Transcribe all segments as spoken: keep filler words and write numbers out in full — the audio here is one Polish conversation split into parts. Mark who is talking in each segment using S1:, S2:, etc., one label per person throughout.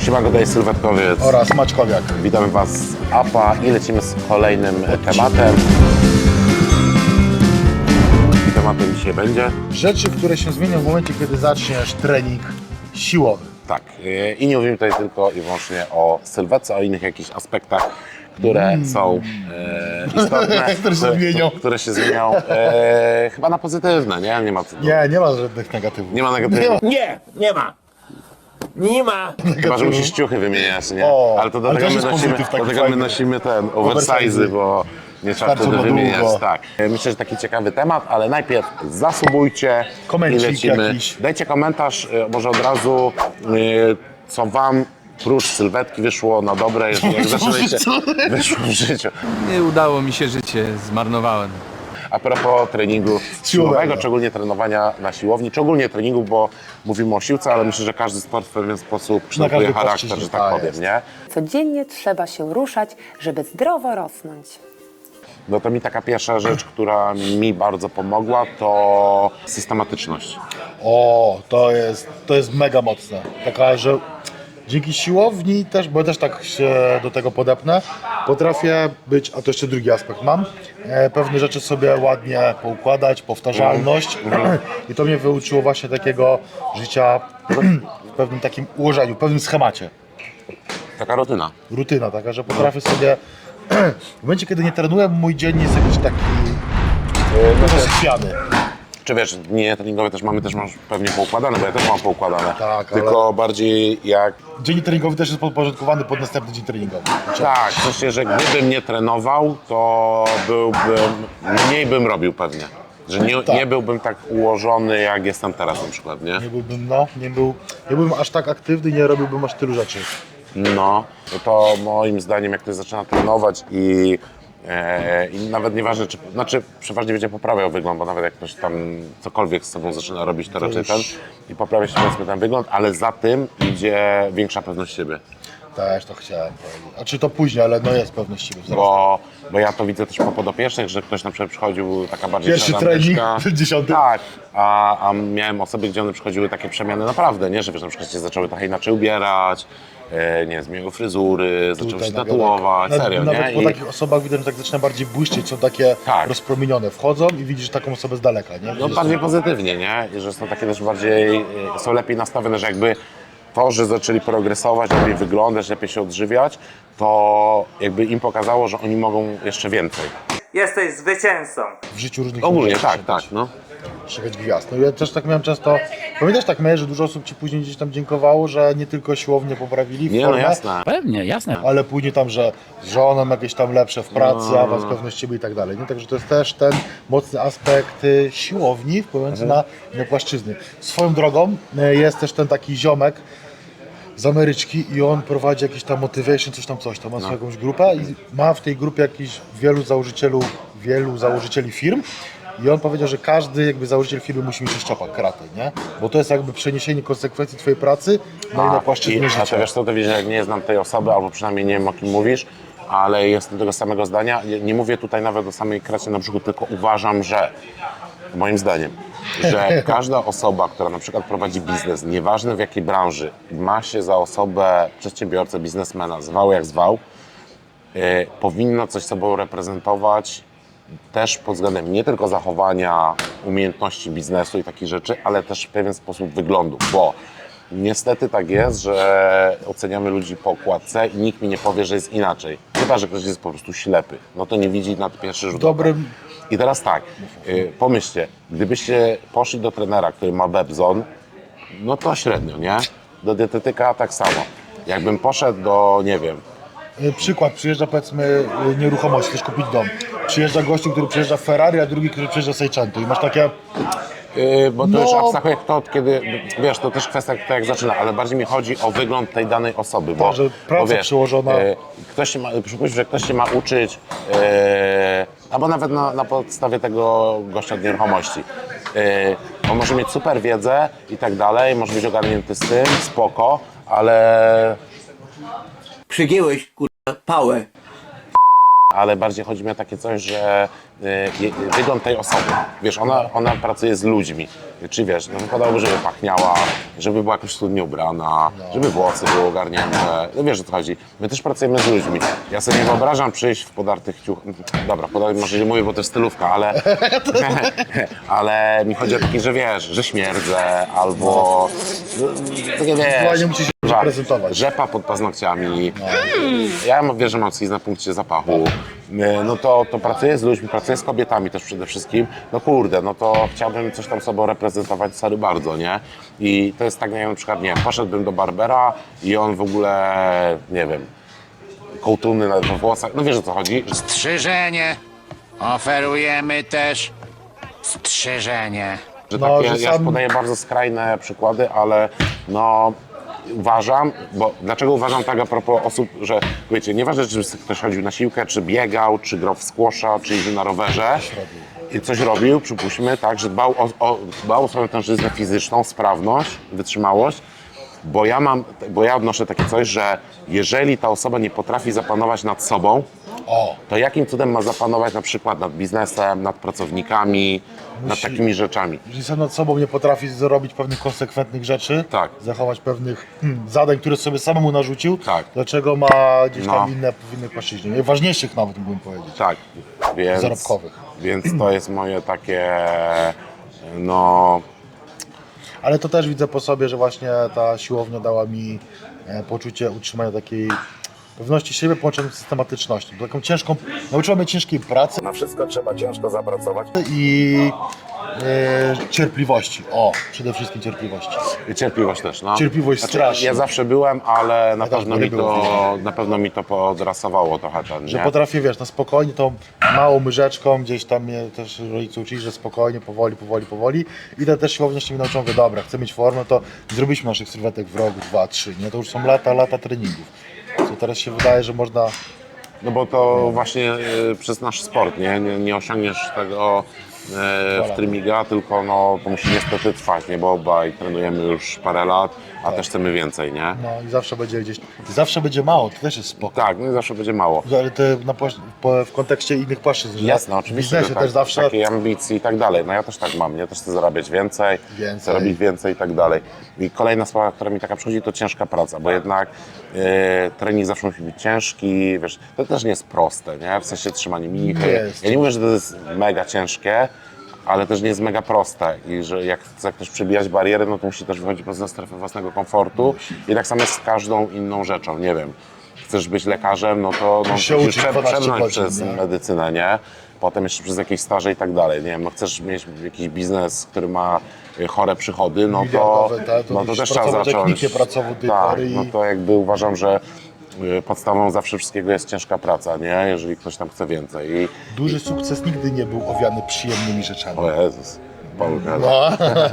S1: Siemanko, tutaj Sylwetkowiec
S2: oraz Maćkowiak.
S1: Witamy Was z A P A i lecimy z kolejnym tematem. I tematem dzisiaj będzie?
S2: Rzeczy, które się zmienią w momencie, kiedy zaczniesz trening siłowy.
S1: Tak, i nie mówimy tutaj tylko i wyłącznie o sylwetce, o innych jakichś aspektach, które mm. są e, istotne,
S2: które się zmienią.
S1: Które się zmienią e, chyba na pozytywne, nie? Nie ma, co
S2: nie, nie ma żadnych negatywów.
S1: Nie ma negatywów.
S3: Nie, nie ma. Nie ma.
S1: Chyba, że musisz ciuchy wymieniać, nie?
S2: O,
S1: ale to do
S2: ale
S1: tego,
S2: to
S1: my
S2: jest
S1: nosimy,
S2: pozytyw taki
S1: do tego my
S2: fajny.
S1: nosimy ten oversize, bo nie trzeba
S2: Starczy
S1: wtedy
S2: na
S1: wymieniać.
S2: długo.
S1: Tak. Myślę, że taki ciekawy temat, ale najpierw zasubujcie i
S2: Komencik
S1: lecimy.
S2: jakiś.
S1: Dajcie komentarz, e, może od razu, e, co Wam prócz sylwetki wyszło na dobre, jeżeli jak zaczynaliście, wyszło w życiu.
S4: Nie udało mi się, życie zmarnowałem.
S1: A propos treningu siłowego, szczególnie trenowania na siłowni, czy ogólnie treningu, bo mówimy o siłce, ale myślę, że każdy sport w pewien sposób kształtuje
S2: każdej
S1: charakter,
S2: płaszczyźnie,
S1: że tak
S2: tak
S1: powiem,
S2: jest.
S1: nie?
S5: Codziennie trzeba się ruszać, żeby zdrowo rosnąć.
S1: No to mi taka pierwsza rzecz, która mi bardzo pomogła, to systematyczność.
S2: O, to jest, to jest mega mocne. Taka, że dzięki siłowni też, bo ja też tak się do tego podepnę, potrafię być, a to jeszcze drugi aspekt mam, e, pewne rzeczy sobie ładnie poukładać, powtarzalność i to mnie wyuczyło właśnie takiego życia w pewnym takim ułożeniu, w pewnym schemacie.
S1: Taka rutyna.
S2: Rutyna taka, że potrafię sobie, w momencie kiedy nie trenuję, mój dzień jest jakiś taki e, rozchwiany.
S1: Czy wiesz, dni treningowe też mamy, też masz pewnie poukładane, bo ja też mam poukładane.
S2: Tak,
S1: Tylko
S2: ale-
S1: bardziej jak...
S2: Dzień treningowy też jest podporządkowany pod następny dzień treningowy.
S1: Tak, w sensie, że gdybym nie trenował, to byłbym, mniej bym robił pewnie. Że nie,
S2: Tak.
S1: nie byłbym tak ułożony, jak jestem teraz na przykład, nie?
S2: Nie byłbym, no, nie, był, nie byłbym aż tak aktywny, nie robiłbym aż tylu rzeczy.
S1: No, no to moim zdaniem, jak ktoś zaczyna trenować i, e, i nawet nieważne, czy, znaczy przeważnie będzie poprawiał wygląd, bo nawet jak ktoś tam cokolwiek z sobą zaczyna robić, to, raczej
S2: już-
S1: ten i poprawia się powiedzmy ten wygląd, ale za tym idzie większa pewność siebie.
S2: Też to chciałem powiedzieć. A czy to później, ale no jest pewność siebie wzrostu.
S1: Bo, bo ja to widzę też po podopiecznych, że ktoś na przykład przychodził taka bardziej
S2: Pierwszy
S1: szaranteczka.
S2: trening, dziesiąty.
S1: Tak, a, a miałem osoby, gdzie one przychodziły takie przemiany naprawdę, nie? Że wiesz, na przykład się zaczęły trochę inaczej ubierać, e, nie wiem, zmieniły fryzury, zaczęły
S2: Tutaj
S1: się
S2: nagle
S1: tatuować,
S2: tak.
S1: serio,
S2: Nawet
S1: nie?
S2: po
S1: I,
S2: takich osobach widać, że tak zaczyna bardziej błyszczeć, są takie
S1: Tak.
S2: rozpromienione. Wchodzą i widzisz taką osobę z daleka, nie?
S1: no
S2: Widzisz,
S1: bardziej pozytywnie, nie? I że są takie też bardziej, e, są lepiej nastawione, że jakby to, że zaczęli progresować, lepiej wyglądać, lepiej się odżywiać, to jakby im pokazało, że oni mogą jeszcze więcej.
S3: Jesteś zwycięzcą.
S2: w życiu różnych
S1: Ogólnie,
S2: ludzi
S1: tak,
S2: szukać-
S1: tak, no.
S2: szukać gwiazd. No ja też tak miałem często, pamiętasz tak miałeś, że dużo osób ci później gdzieś tam dziękowało, że nie tylko siłownie poprawili
S1: Nie, no
S2: formę,
S1: jasne.
S4: Pewnie, jasne.
S2: ale później tam, że z żoną jakieś tam lepsze w pracy,
S1: No.
S2: awans, pewność siebie i tak dalej. Nie? Także to jest też ten mocny aspekt y, siłowni wpływający
S1: Mhm.
S2: na inne płaszczyzny. Swoją drogą y, jest też ten taki ziomek z Ameryczki i on prowadzi jakiś tam motivation, coś tam, coś tam, ma
S1: No.
S2: swoją jakąś grupę i ma w tej grupie jakiś wielu założycieli, wielu założycieli firm. I on powiedział, że każdy jakby założyciel firmy musi mieć szczopak karate, nie? Bo to jest jakby przeniesienie konsekwencji twojej pracy na inne
S1: A,
S2: płaszczyzny
S1: i, a
S2: życia.
S1: to wiesz co, to wiesz, jak nie znam tej osoby, albo przynajmniej nie wiem, o kim mówisz, ale jestem tego samego zdania. Nie, nie mówię tutaj nawet o samej kracie na brzuchu, tylko uważam, że moim zdaniem, że każda osoba, która na przykład prowadzi biznes, nieważne w jakiej branży, ma się za osobę przedsiębiorcę, biznesmena, zwał jak zwał, yy, powinna coś sobą reprezentować też pod względem nie tylko zachowania, umiejętności biznesu i takich rzeczy, ale też w pewien sposób wyglądu, bo niestety tak jest, że oceniamy ludzi po okładce i nikt mi nie powie, że jest inaczej. Chyba że ktoś jest po prostu ślepy, no to nie widzi na pierwszy rzut oka.
S2: Dobrym-
S1: I teraz tak, y, pomyślcie, gdybyście poszli do trenera, który ma Bebzon, no to średnio, nie? Do dietetyka tak samo. Jakbym poszedł do, nie wiem,
S2: Y, Przykład, przyjeżdża powiedzmy y, nieruchomość, chcesz kupić dom. Przyjeżdża gościu, który przyjeżdża w Ferrari, a drugi, który przyjeżdża Seicento i masz takie,
S1: Yy, bo to
S2: No.
S1: już abstrahuje kto od kiedy, wiesz, to też kwestia kto jak zaczyna, ale bardziej mi chodzi o wygląd tej danej osoby, bo,
S2: Tak, że praca
S1: bo wiesz,
S2: przyłożona.
S1: Yy, ktoś się ma, przypuśćmy, że ktoś się ma uczyć, yy, albo nawet na, na podstawie tego gościa od nieruchomości. Yy, on może mieć super wiedzę i tak dalej, może być ogarnięty z tym, spoko, ale
S6: Przygięłeś kurwa pałę.
S1: ale bardziej chodzi mi o takie coś, że y, wygląd tej osoby, wiesz, ona, ona pracuje z ludźmi, czy wiesz, no wypadałoby, żeby pachniała, żeby była jakoś cudnie ubrana, żeby włosy były ogarnięte, no wiesz o co chodzi. My też pracujemy z ludźmi. Ja sobie nie wyobrażam przyjść w podartych ciuchach, dobra, podartych może nie mówię, bo to jest stylówka, ale, ale mi chodzi o taki, że wiesz, że śmierdzę, albo, no, takie
S2: Ewentualnie
S1: wiesz,
S2: musisz się
S1: Rzepa-
S2: prezentować.
S1: Rzepa pod paznokciami. Ja mam- wiesz, że mam coś na punkcie zapachu. No to, to pracuję z ludźmi, pracuję z kobietami też przede wszystkim. No kurde, no to chciałbym coś tam sobą reprezentować, sorry bardzo, nie? I to jest tak, nie wiem, na przykład, nie wiem, poszedłbym do barbera i on w ogóle, nie wiem, kołtuny na we włosach, no wiesz o co chodzi?
S6: Strzyżenie. Oferujemy też strzyżenie.
S1: Że
S2: No,
S1: takie,
S2: że
S1: ja
S2: sam-
S1: podaję bardzo skrajne przykłady, ale no uważam, bo dlaczego uważam tak a propos osób, że wiecie, nieważne czy ktoś chodził na siłkę, czy biegał, czy grał w squasha, czy jeździł na rowerze i coś robił, przypuśćmy, tak, że dbał o, o, dbał o swoją tężyznę fizyczną, sprawność, wytrzymałość, bo ja mam, bo ja odnoszę takie coś, że jeżeli ta osoba nie potrafi zapanować nad sobą,
S2: O,
S1: to jakim cudem ma zapanować na przykład nad biznesem, nad pracownikami, nad
S2: Musi-
S1: takimi rzeczami.
S2: jeżeli sam nad sobą nie potrafi zrobić pewnych konsekwentnych rzeczy,
S1: Tak.
S2: zachować pewnych hmm, zadań, które sobie samemu narzucił,
S1: Tak.
S2: dlaczego ma gdzieś tam
S1: No.
S2: inne, w innej płaszczyźnie, najważniejszych nawet mógłbym powiedzieć,
S1: Tak, więc,
S2: zarobkowych.
S1: więc to jest moje takie, no,
S2: Ale to też widzę po sobie, że właśnie ta siłownia dała mi e, poczucie utrzymania takiej pewności siebie połączonej z systematycznością. Taką ciężką, nauczyła mnie ciężkiej pracy
S1: na wszystko trzeba ciężko zapracować.
S2: i e, cierpliwości. O, przede wszystkim cierpliwości.
S1: Cierpliwość też, no.
S2: Cierpliwość strasznie.
S1: Ja zawsze byłem, ale na,
S2: Ja też
S1: pewno mi
S2: byłem.
S1: to, na pewno mi to podrasowało trochę ten,
S2: Że
S1: nie?
S2: potrafię, wiesz, na spokojnie, tą małą myżeczką, gdzieś tam mnie też rodzice uczyli, że spokojnie, powoli, powoli, powoli. I to też siłownia się mi nauczą, że dobra, chcę mieć formę, to zrobiliśmy naszych sylwetek w roku, dwa, trzy, nie? To już są lata, lata treningów. Co teraz się wydaje, że można...
S1: No bo to właśnie y, przez nasz sport, nie? Nie, nie osiągniesz tego y, w trymiga, tylko no, to musi niestety trwać, nie? Bo obaj trenujemy już parę lat, a też chcemy więcej, nie?
S2: No i zawsze będzie gdzieś... I zawsze będzie mało, to też jest spoko.
S1: Tak, no i zawsze będzie mało.
S2: Ale to na, płasz- po, w kontekście innych płaszczyzn, że
S1: Jasne,
S2: w
S1: oczywiście,
S2: biznesie
S1: że tak,
S2: też zawsze...
S1: takiej ambicji i tak dalej. No ja też tak mam, ja też chcę zarabiać więcej,
S2: Więcej.
S1: chcę robić więcej i tak dalej. I kolejna sprawa, która mi taka przychodzi, to ciężka praca, bo jednak e, trening zawsze musi być ciężki, wiesz, to też nie jest proste, nie? W sensie trzymanie mimiki.
S2: Nie jest.
S1: Ja nie mówię, że to jest mega ciężkie, ale też nie jest mega proste i że jak chce ktoś przebijać bariery, no to musi też wychodzić poza strefę własnego komfortu i tak samo jest z każdą inną rzeczą, nie wiem. Chcesz być lekarzem, no to no,
S2: się
S1: musisz
S2: uczyć
S1: prze-
S2: dwanaście
S1: przebrnąć
S2: godzin,
S1: przez
S2: nie?
S1: medycynę, nie? Potem jeszcze przez jakieś staże i tak dalej, nie wiem, no chcesz mieć jakiś biznes, który ma y, chore przychody, no to,
S2: Miliardowe, tak? To
S1: no to
S2: musisz
S1: też trzeba
S2: pracować jak
S1: zacząć.
S2: nikt nie pracował do tej
S1: Tak,
S2: pory i-
S1: no to jakby uważam, że y, podstawą zawsze wszystkiego jest ciężka praca, nie? Jeżeli ktoś tam chce więcej. I,
S2: Duży sukces nigdy nie był owiany przyjemnymi rzeczami.
S1: o Jezus, Polka.
S2: No.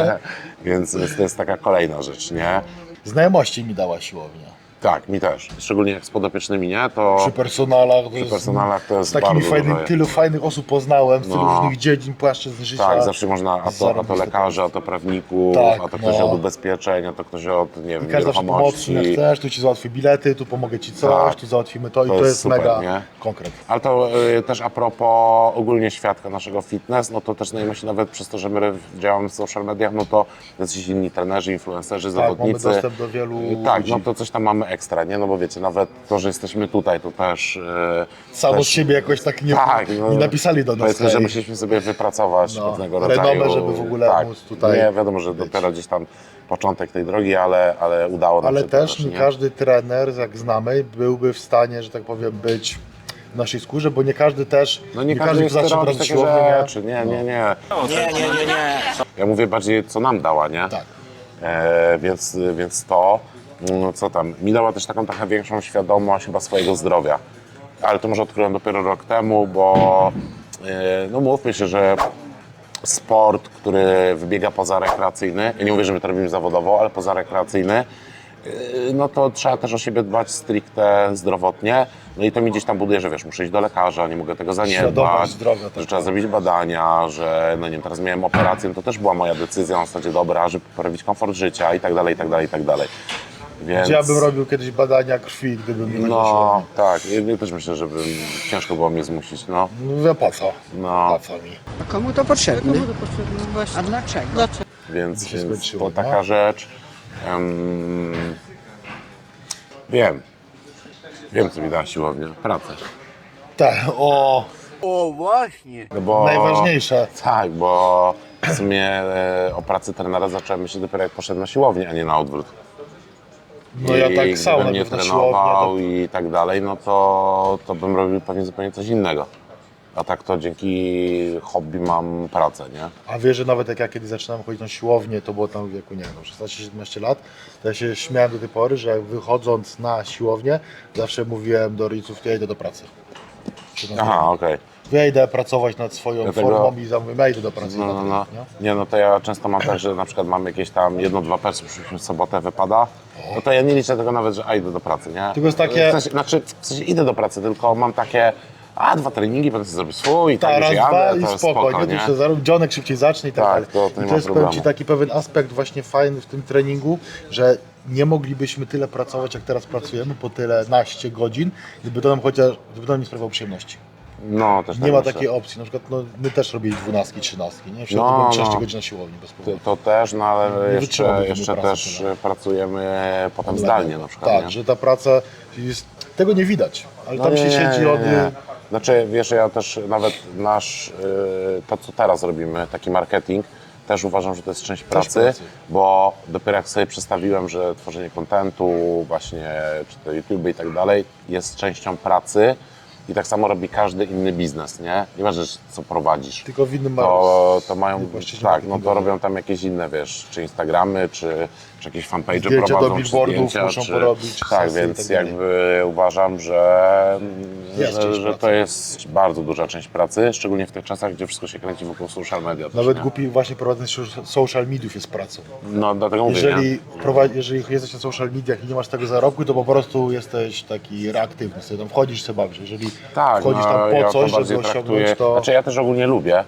S1: Więc więc to jest taka kolejna rzecz, nie?
S2: Znajomości mi dała siłownia.
S1: Tak, mi też. Szczególnie jak z podopiecznymi, nie? To
S2: Przy personalach, to
S1: przy
S2: jest-
S1: personalach to jest
S2: z takimi
S1: bardzo
S2: fajnymi,
S1: dużo.
S2: tylu fajnych osób poznałem, z tylu
S1: No.
S2: różnych dziedzin, płaszczyzn życia.
S1: Tak, zawsze można, a to, a to
S2: Zarobiste
S1: lekarzy, a to prawników,
S2: Tak,
S1: a to ktoś
S2: no.
S1: od ubezpieczeń, a to ktoś od, nie wiem,
S2: I każdy zawsze pomocy,
S1: nieruchomości.
S2: jak chcesz, tu ci załatwię bilety, tu pomogę ci coś,
S1: Tak.
S2: tu załatwimy to i
S1: To
S2: to
S1: jest
S2: jest
S1: super,
S2: mega
S1: nie?
S2: konkret.
S1: Ale to y, też a propos ogólnie świadka naszego fitness, no to też znajomości nawet przez to, że my działamy w social mediach, no to jacyś inni trenerzy, influencerzy,
S2: Tak, mamy
S1: zawodnicy.
S2: dostęp do wielu
S1: Y, Tak,
S2: ludzi.
S1: no to coś tam mamy ekstra, nie? No bo wiecie, nawet to, że jesteśmy tutaj, to też... y,
S2: Samo
S1: też
S2: z siebie jakoś tak nie,
S1: tak, no,
S2: nie napisali do nas.
S1: Powiedzmy, że
S2: hej.
S1: musieliśmy sobie wypracować
S2: No,
S1: pewnego
S2: renomę,
S1: rodzaju...
S2: żeby w ogóle
S1: tak,
S2: móc tutaj
S1: nie, wiadomo, że dopiero gdzieś tam początek tej drogi, ale, ale udało nam
S2: Ale
S1: się to
S2: też nie każdy trener, jak znamy, byłby w stanie, że tak powiem, być w naszej skórze, bo nie każdy też,
S1: No nie, każdy
S2: kto
S1: chce
S2: zacznie
S1: robić
S2: brać
S1: takie
S2: siłownię, nie?
S1: rzeczy, nie, nie, nie.
S3: Nie, nie, nie, nie.
S1: Ja mówię bardziej, co nam dała, nie?
S2: Tak.
S1: E, więc, więc to, mm, co tam, mi dała też taką trochę większą świadomość chyba swojego zdrowia. Ale to może odkryłem dopiero rok temu, bo e, no mówmy się, że sport, który wybiega poza rekreacyjny, ja nie mówię, że my to robimy zawodowo, ale poza rekreacyjny, yy, no to trzeba też o siebie dbać stricte zdrowotnie. No i to mi gdzieś tam buduje, że wiesz, muszę iść do lekarza, nie mogę tego zaniedbać,
S2: Świadomość zdrowia też.
S1: że trzeba zrobić badania, że no nie wiem, teraz miałem operację, no to też była moja decyzja na zasadzie dobra, żeby poprawić komfort życia i tak dalej, i tak dalej, i tak dalej. Więc...
S2: Gdzie ja bym robił kiedyś badania krwi, gdybym nie chodził na
S1: No
S2: siłownię.
S1: tak, ja też myślę, że bym ciężko było mnie zmusić, no.
S2: Mówię, po co?
S1: No.
S2: Po co mi?
S7: Komu to potrzebne? A dlaczego?
S1: Więc,
S2: się
S1: więc
S2: skończyło,
S1: to
S2: no.
S1: taka rzecz. Em, wiem. Wiem, co mi da siłownia. Pracę.
S2: Tak, o,
S1: No bo,
S2: najważniejsze.
S1: Tak, bo w sumie e, o pracy trenera zacząłem myśleć dopiero jak poszedłem na siłownię, a nie na odwrót.
S2: No ja
S1: I
S2: tak samo,
S1: gdybym nie
S2: najpierw na
S1: trenował
S2: siłownię,
S1: i tak dalej, no to, to bym robił pewnie zupełnie coś innego. A tak to dzięki hobby mam pracę, nie?
S2: A wiesz, że nawet jak ja kiedy zaczynałem chodzić na siłownię, to było tam w wieku, nie wiem, szesnaście siedemnaście lat, to ja się śmiałem do tej pory, że jak wychodząc na siłownię, zawsze mówiłem do rodziców, ja idę do pracy. Czy na
S1: Aha, okej.
S2: Ja idę pracować nad swoją
S1: Dlatego-
S2: formą i zamówię, ja idę do pracy.
S1: No,
S2: na
S1: no,
S2: tyle,
S1: no.
S2: nie?
S1: Nie, no to ja często mam tak, że na przykład mam jakieś tam jedno, dwa persy, przyszliśmy w sobotę, wypada, no to ja nie liczę tego nawet, że a, idę do pracy, nie?
S2: Tylko jest takie-
S1: W sensie, znaczy, w sensie idę do pracy, tylko mam takie, a, dwa treningi, będę sobie zrobił swój i tak
S2: Tak,
S1: już
S2: raz,
S1: jadę,
S2: dwa
S1: to
S2: i
S1: jest
S2: spoko,
S1: spoko,
S2: nie?
S1: nie?
S2: To się zarobi, dzionek szybciej zacznie i tak,
S1: Tak,
S2: dalej.
S1: to- to nie
S2: I
S1: ma
S2: to jest powiem
S1: problemu.
S2: Ci taki pewien aspekt właśnie fajny w tym treningu, że nie moglibyśmy tyle pracować, jak teraz pracujemy, po tyle naście godzin, gdyby to nam chociaż, gdyby to nam nie sprawiało przyjemności.
S1: No, też
S2: Nie
S1: tak
S2: ma
S1: myślę.
S2: takiej opcji, na przykład no, my też robili dwunastki, trzynastki, nie? W
S1: No,
S2: środku byłem trzynaście
S1: no.
S2: godzin na siłowni bez
S1: To,
S2: problemu.
S1: to też, no ale
S2: Nie
S1: jeszcze,
S2: wytrzymałbym
S1: jeszcze
S2: pracy
S1: też
S2: tyle.
S1: pracujemy potem zdalnie na przykład,
S2: Tak,
S1: nie?
S2: że ta praca jest, tego nie widać, ale
S1: No
S2: tam
S1: nie,
S2: się
S1: nie,
S2: siedzi
S1: nie,
S2: od...
S1: nie. Znaczy, wiesz, ja też nawet nasz, yy, to co teraz robimy, taki marketing, też uważam, że to jest część pracy,
S2: pracy.
S1: bo dopiero jak sobie przedstawiłem, że tworzenie kontentu, właśnie, czy to YouTube i tak dalej, jest częścią pracy i tak samo robi każdy inny biznes, nie? Nieważne, co prowadzisz.
S2: Tylko w innym
S1: To, to mają,
S2: płaszczyźnie
S1: tak, no to
S2: marketingowej.
S1: robią tam jakieś inne, wiesz, czy Instagramy, czy, czy jakieś fanpage
S2: Zdjęcia do
S1: prowadzą, czy
S2: billboardów
S1: zdjęcia,
S2: muszą
S1: czy,
S2: porobić,
S1: tak,
S2: sesje i
S1: więc
S2: tak dalej.
S1: jakby uważam, że,
S2: Jest
S1: że,
S2: część
S1: że
S2: pracy.
S1: to jest bardzo duża część pracy, szczególnie w tych czasach, gdzie wszystko się kręci wokół social media. też,
S2: Nawet
S1: nie?
S2: głupi właśnie prowadzenie so- social mediów jest pracą.
S1: No dlatego mówię, nie?
S2: Jeżeli, prowadzi, jeżeli jesteś na social mediach i nie masz tego zarobku, to po prostu jesteś taki reaktywny, sobie tam wchodzisz, sobie bawisz. Jeżeli
S1: Tak,
S2: wchodzisz
S1: no,
S2: tam po
S1: ja
S2: coś,
S1: to
S2: żeby
S1: bardziej
S2: osiągnąć,
S1: traktuję,
S2: to
S1: znaczy ja też ogólnie lubię,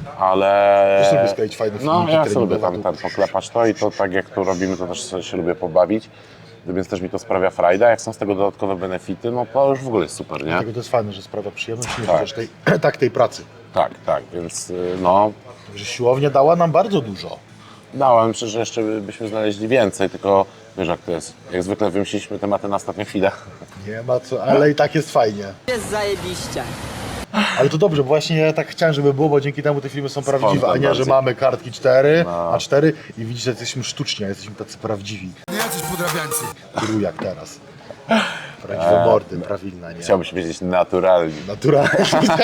S1: ale...
S2: Też lubię skleić fajne
S1: No
S2: filmiki
S1: ja sobie lubię
S2: treningowe.
S1: tam, tam poklepać to i to tak jak to robimy, to też sobie się lubię pobawić, więc też mi to sprawia frajda, jak są z tego dodatkowe benefity, no to już w ogóle jest super, nie?
S2: dlatego to jest fajne, że sprawia przyjemność, nie
S1: Tak.
S2: chociaż tej, tak tej pracy.
S1: Tak, tak, więc y, no,
S2: Że siłownia dała nam bardzo dużo.
S1: dałem, myślę, że jeszcze by- byśmy znaleźli więcej, tylko wiesz jak to jest, jak zwykle wymyśliliśmy tematy na ostatnią chwilę.
S2: Nie ma co, ale i tak jest fajnie.
S7: Jest zajebiście.
S2: Ale to dobrze, bo właśnie ja tak chciałem, żeby było, bo dzięki temu te filmy są prawdziwe, a nie, że
S1: bardziej.
S2: mamy kartki cztery,
S1: No.
S2: a cztery i widzicie, że jesteśmy sztuczni, a jesteśmy tacy prawdziwi.
S8: Nie jacyś podrabiańcy.
S2: Tylu jak teraz. Prawdziwe mordy, prawilna, nie?
S1: Chciałbyś powiedzieć naturalnie,
S2: Naturalnie.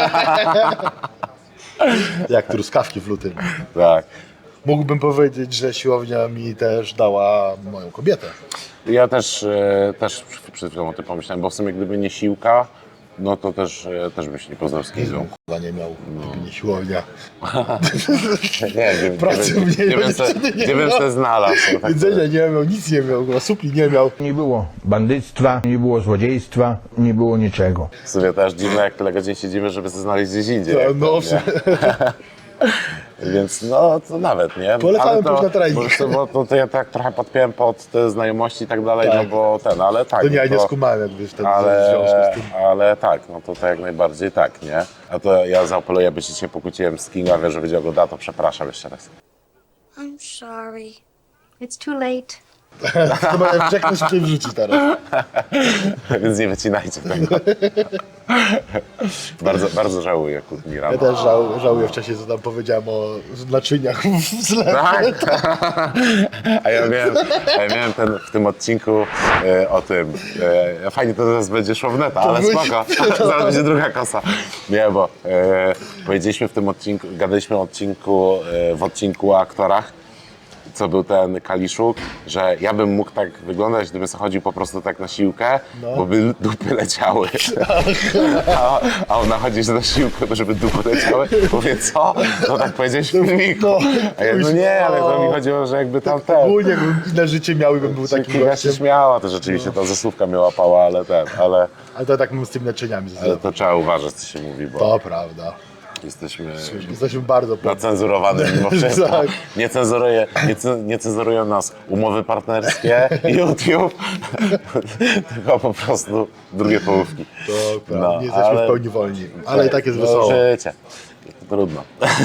S2: Jak truskawki w lutym.
S1: tak.
S2: Mógłbym powiedzieć, że siłownia mi też dała moją kobietę.
S1: Ja też, e, też przed chwilą o tym pomyślałem, bo w sumie gdyby nie siłka, no to też, e, też byś nie poznał z Kizą.
S2: Chyba nie miał, gdyby nie siłownia.
S1: Nie wiem,
S2: Pracy
S1: nie,
S2: mniej,
S1: wiem,
S2: bo
S1: se,
S2: dziewczyny nie
S1: gdzie bym
S2: ma.
S1: se znalazł. Tak
S2: Jedzenia nie miał, nic nie miał, chyba supli nie miał.
S9: Nie było bandyctwa, nie było złodziejstwa, nie było niczego.
S1: w sumie też dziwne, jak tyle godzin siedzimy, żeby się znaleźć gdzieś indziej.
S2: No,
S1: jak
S2: no,
S1: to,
S2: w sumie.
S1: Więc no, to nawet, nie?
S2: Polecamy
S1: Ale to,
S2: pójść na trening.
S1: Bo, to, bo to, to ja tak trochę podpiąłem pod te znajomości i tak dalej,
S2: Tak.
S1: no bo ten, ale tak.
S2: To nie, ja
S1: no
S2: nie
S1: to-
S2: skumałem jakby wtedy w
S1: Ale,
S2: związku z tym.
S1: ale tak, no to, to jak najbardziej tak, nie? A to ja zaapeluję, by się dzisiaj pokłóciłem z Kinga, wie, że będzie oglądała, to przepraszam jeszcze raz.
S10: I'm sorry. It's too late.
S2: Chyba jak Jack to szybciej wrzuci teraz.
S1: Więc nie wycinajcie tego. bardzo, bardzo żałuję Kutmira.
S2: Ja też żał, żałuję wcześniej, co tam powiedziałem o naczyniach w zlewie.
S1: Tak. A ja miałem, a ja miałem ten, w tym odcinku e, o tym. E, fajnie to teraz będzie szło w neta, ale
S2: będzie-
S1: spoko. Zaraz będzie druga kosa. Nie, bo e, powiedzieliśmy w tym odcinku, gadaliśmy o odcinku, e, w odcinku o aktorach, co był ten Kaliszuk, że ja bym mógł tak wyglądać, gdybym sobie chodził po prostu tak na siłkę, bo by dupy leciały. A, a ona chodzi na siłkę, żeby dupy leciały. Mówię, co? No tak powiedziałeś w filmiku. A ja, no nie, ale to mi chodziło, że jakby tam ten...
S2: Ogólnie bym inne życie miał i bym był takim
S1: Kinga się
S2: gościem.
S1: śmiała, to rzeczywiście ta zasłówka mnie łapała, ale ten, ale,
S2: Ale to tak mam z tymi naczyniami ze
S1: ale
S2: zlewu.
S1: to trzeba uważać, co się mówi, bo...
S2: To prawda.
S1: Jesteśmy
S2: Jesteśmy bardzo pewni.
S1: nacenzurowani mimo wszystko.
S2: Tak.
S1: Nie, cenzuruje, nie, ce- nie cenzurują nas umowy partnerskie, YouTube, tylko po prostu drugie połówki.
S2: To prawda,
S1: No,
S2: nie jesteśmy
S1: ale-
S2: w pełni wolni, ale i tak jest
S1: no,
S2: wesoło.
S1: Życie. Trudno.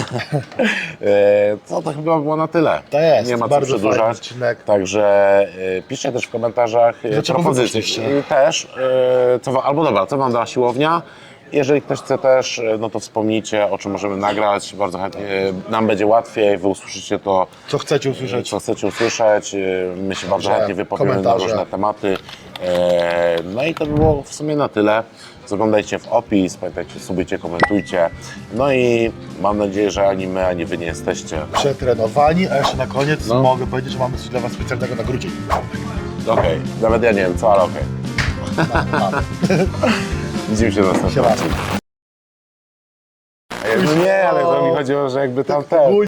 S1: E, Co to chyba było na tyle.
S2: To jest,
S1: Nie ma co
S2: bardzo fajny
S1: przedłużać.
S2: odcinek.
S1: Także e, piszcie też w komentarzach e,
S2: Dlaczego wy
S1: propozycje.
S2: poszliście?
S1: I też, e, co, wa- albo dobra, co wam dała siłownia. Jeżeli ktoś chce też, e, no to wspomnijcie, o czym możemy nagrać. Bardzo chętnie, e, nam będzie łatwiej, wy usłyszycie to,
S2: Co chcecie usłyszeć?
S1: co chcecie usłyszeć. E, My się bardzo
S2: Dobrze,
S1: chętnie wypowiemy na
S2: komentarze.
S1: różne tematy. E, No i to by było w sumie na tyle. Zaglądajcie w opis, pamiętajcie, subujcie, komentujcie. No i mam nadzieję, że ani my, ani wy nie jesteście.
S2: Przetrenowani, a jeszcze na koniec
S1: No.
S2: mogę powiedzieć, że mamy coś dla was specjalnego na grudzień.
S1: Okej, nawet ja nie wiem co, ale okej. Widzimy się na następnym
S2: Siema.
S1: odcinku. No nie, ale to mi chodziło, że jakby tam ten...